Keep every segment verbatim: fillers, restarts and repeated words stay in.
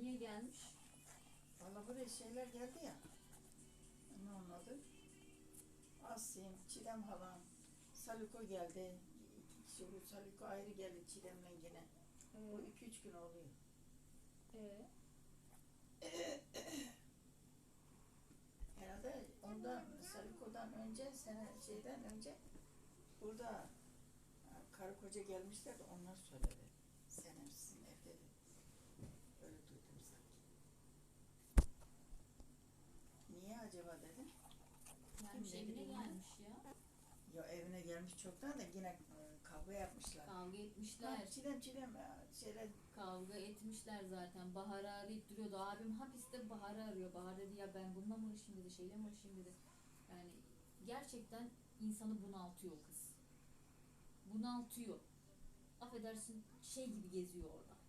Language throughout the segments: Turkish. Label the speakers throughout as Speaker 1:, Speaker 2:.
Speaker 1: niye gelmiş?
Speaker 2: Valla buraya şeyler geldi ya. Ne onun adı? Asim, Çilem halam, Saliko geldi. İki kişi bu Saliko ayrı geldi Çilem'le yine.
Speaker 1: Ee,
Speaker 2: O iki üç gün oluyor.
Speaker 1: ee,
Speaker 2: Herhalde ondan Saliko'dan önce sene şeyden önce burada ha, karı koca gelmişler de onlar söyledi. Senem sizin evde de. Öyle duydum sanki. Niye acaba dedim.
Speaker 1: gelmiş
Speaker 2: Kim
Speaker 1: evine
Speaker 2: dedi
Speaker 1: gelmiş ya.
Speaker 2: Ya evine gelmiş çoktan da yine e, kavga yapmışlar.
Speaker 1: Kavga
Speaker 2: Ha,
Speaker 1: etmişler.
Speaker 2: çilem çilem ya, şeyler
Speaker 1: Kavga etmişler zaten. Bahar'ı arayıp duruyordu. Abim hapiste Bahar'ı arıyor. Bahar dedi ya ben bununla mı uğraşayım dedi. Şeyle mi uğraşayım dedi. Yani gerçekten insanı bunaltıyor o kız. Bunaltıyor. Affedersin şey gibi geziyor orada.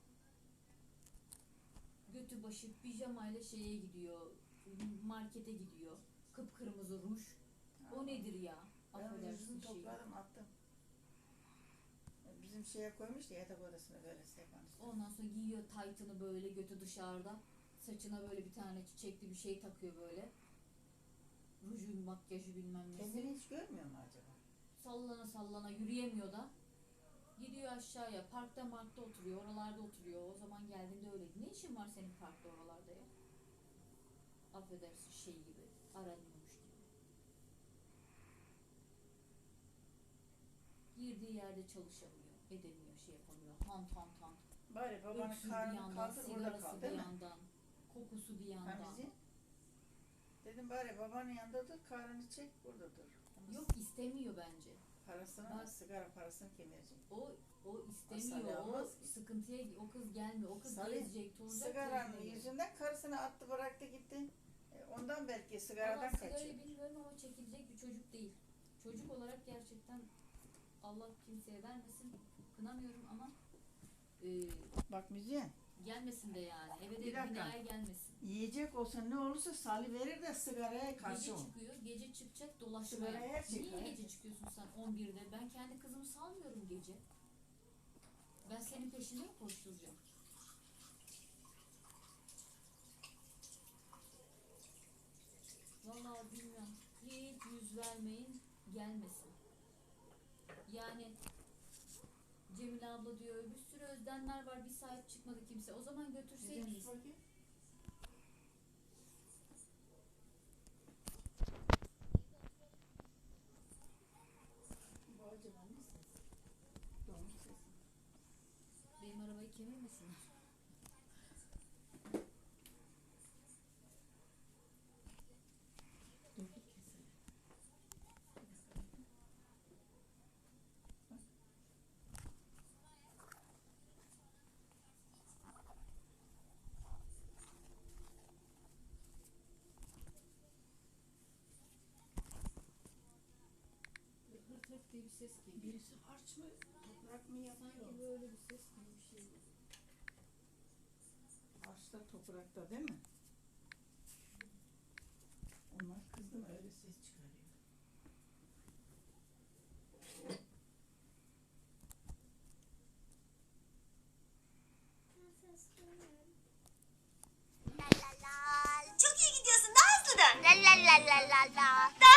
Speaker 1: Götü başı pijamayla şeye gidiyor. Markete gidiyor. Kıpkırmızı ruj. O nedir ya?
Speaker 2: ben
Speaker 1: Affedersin
Speaker 2: yüzünü
Speaker 1: şey.
Speaker 2: topladım attım. Bizim şeye koymuş ya yatak odasına böyle sehpanın üstüne.
Speaker 1: Ondan sonra giyiyor taytını böyle götü dışarıda. Saçına böyle bir tane çiçekli bir şey takıyor böyle. Ruju, makyajı bilmem nesi.
Speaker 2: Kendini hiç görmüyor mu acaba?
Speaker 1: Sallana sallana yürüyemiyor da. Gidiyor aşağıya. Parkta markta oturuyor. Oralarda oturuyor. O zaman geldiğinde öyleydi. Ne işin var senin parkta oralarda ya? Affedersin şey gibi. Aranıyormuş gibi. Girdiği yerde çalışamıyor. Edemiyor. Şey yapamıyor. Hant hant hant.
Speaker 2: Bari babanın
Speaker 1: Öksürü bir
Speaker 2: karnını
Speaker 1: yandan,
Speaker 2: kaldır orada kal
Speaker 1: sigarası bir
Speaker 2: değil mi?
Speaker 1: yandan, kokusu bir yandan.
Speaker 2: Hamizi. Dedim bari babanın yanında dur, karnını çek burada dur. Ama
Speaker 1: Yok istemiyor bence.
Speaker 2: parasını,
Speaker 1: Bak-
Speaker 2: sigara parasını kim verecek?
Speaker 1: O o
Speaker 2: Salih
Speaker 1: istemiyor. O
Speaker 2: almaz ki.
Speaker 1: sıkıntıya o kız gelmiyor. O kız
Speaker 2: Salih,
Speaker 1: gezecek, tozacak.
Speaker 2: Sigaranın
Speaker 1: gezecek.
Speaker 2: yüzünden karısını attı bıraktı gitti. E, Ondan belki sigaradan
Speaker 1: Valla
Speaker 2: kaçıyor.
Speaker 1: sigarayı bilmiyorum ama çekilecek bir çocuk değil. Çocuk olarak gerçekten Allah kimseye vermesin. Kınamıyorum ama e,
Speaker 2: Bak müziğe,
Speaker 1: gelmesin de yani. Eve de
Speaker 2: Bir dakika.
Speaker 1: binaya gelmesin.
Speaker 2: yiyecek olsa ne olursa Salih verir de sigaraya karşı
Speaker 1: Gece
Speaker 2: ol.
Speaker 1: çıkıyor, gece çıkacak dolaşmaya.
Speaker 2: Sigaraya her şey
Speaker 1: Niye
Speaker 2: var.
Speaker 1: gece çıkıyorsun sen on birde? Ben kendi kızımı salmıyorum gece. Ben senin peşinde mi koşturacağım? Vallahi bilmiyorum. Hiç yüz vermeyin, gelmesin. Yani Cemile abla diyor, bir sürü özdenler var, bir sahip çıkmadı kimse. O zaman
Speaker 2: Müziğe
Speaker 1: götürseydiniz.
Speaker 2: sus bakayım. Bu acaba ne ses? Domuz sesi.
Speaker 1: Benim arabayı kemirmesinler.
Speaker 2: Dur bir keselim.
Speaker 1: Hırt hırt diye bir ses geliyor.
Speaker 2: Birisi harç mı, toprak mı yapıyor?
Speaker 1: Sanki böyle bir ses gibi bir şey.
Speaker 2: Harçta toprakta değil mi? Onlar kızdı mı öyle ses çıkarıyor.
Speaker 3: La la la. Çok iyi gidiyorsun. Daha hızlı dön. La la la la la la.